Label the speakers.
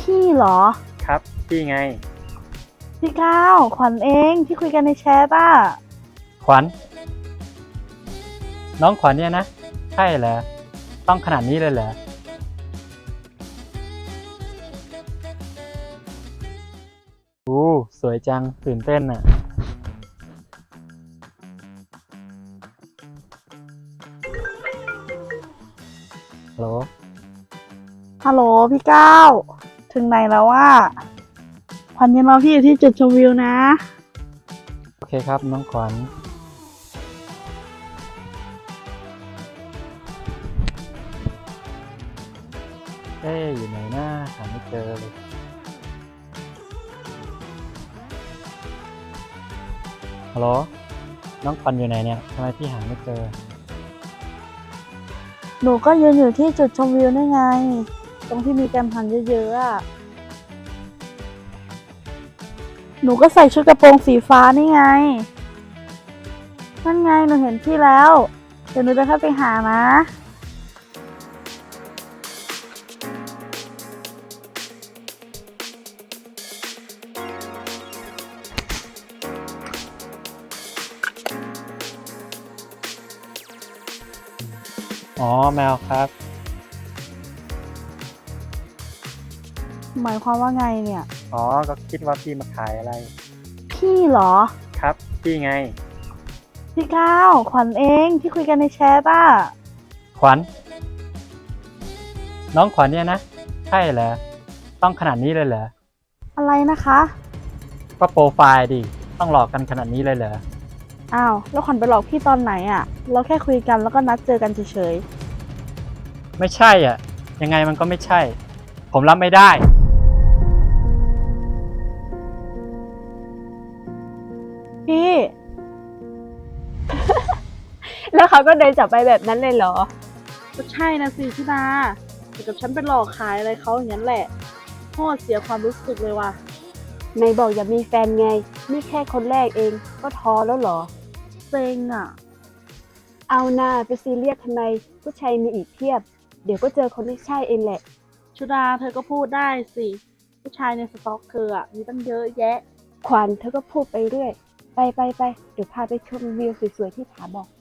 Speaker 1: พี่เหรอ
Speaker 2: ครับพี่ไง
Speaker 1: พี่ก้าวขวัญเองที่คุยกันในแชทอ่ะ
Speaker 2: ขวัญน้องขวัญเนี่ยนะใช่เหรอต้องขนาดนี้เลยเหรออู้สวยจังตื่นเต้นอ่ะฮัลโหล
Speaker 1: ฮัลโหลพี่ก้าวถึงไหนแล้วว่าขวัญยังรอพี่อยู่ที่จุดชมวิวนะ
Speaker 2: โอเคครับน้องขวัญอยู่ไหนนะหาไม่เจอเลยฮัลโหลน้องขวัญอยู่ไหนเนี่ยทำไมพี่หาไม่เจอ
Speaker 1: หนูก็ยืนอยู่ที่จุดชมวิวนี่ไงตรงที่มีการหันเยอะๆอ่ะหนูก็ใส่ชุดกระโปรงสีฟ้านี่ไงนั่นไงหนูเห็นพี่แล้วเดี๋ยวหนูจะเข้าไปหานะ
Speaker 2: อ๋อแมวครับ
Speaker 1: หมายความว่าไงเนี่ย
Speaker 2: อ๋อก็คิดว่าพี่มาขายอะไร
Speaker 1: พี่เหรอ
Speaker 2: ครับพี่ไง
Speaker 1: พี่ก้าวขวัญเองที่คุยกันในแชทอ่ะ
Speaker 2: ขวัญน้องขวัญเนี่ยนะใช่เหรอต้องขนาดนี้เลยเหรอ
Speaker 1: อะไรนะคะ
Speaker 2: ก็โปรไฟล์ดิต้องหลอกกันขนาดนี้เลยเหรอ
Speaker 1: อ้าวแล้วขวัญไปหลอกพี่ตอนไหนอ่ะเราแค่คุยกันแล้วก็นัดเจอกันเฉย
Speaker 2: ไม่ใช่อ่ะยังไงมันก็ไม่ใช่ ผมรับไม่ได้
Speaker 1: ๆพี่
Speaker 3: แล้วเขาก็เดินจับไปแบบนั้นเลยเหรอ
Speaker 1: ก็ใช่นะสิพี่นาแต่กับฉันไปหลอกขายอะไรเขาอย่างนั้นแหละโคตรเสียความรู้สึกเลยว่ะ
Speaker 3: ในบอกอย่ามีแฟนไง นี่แค่คนแรกเองก็ท้อแล้วเหรอ
Speaker 1: เซ็งอ่ะ
Speaker 3: เอาหน้าไปซีเรียสทำไม ผู้ชายมีอีกเพียบ เดี๋ยวก็เจอคนที่ใช่เองแหละ
Speaker 1: ชุดาเธอก็พูดได้สิผู้ชายในสต็อกเธออ่ะมีตั้งเยอะแยะ
Speaker 3: ขวัญเธอก็พูดไปเรื่อย ไป เดี๋ยวพาไปชมวิวสวยๆที่ผาบอก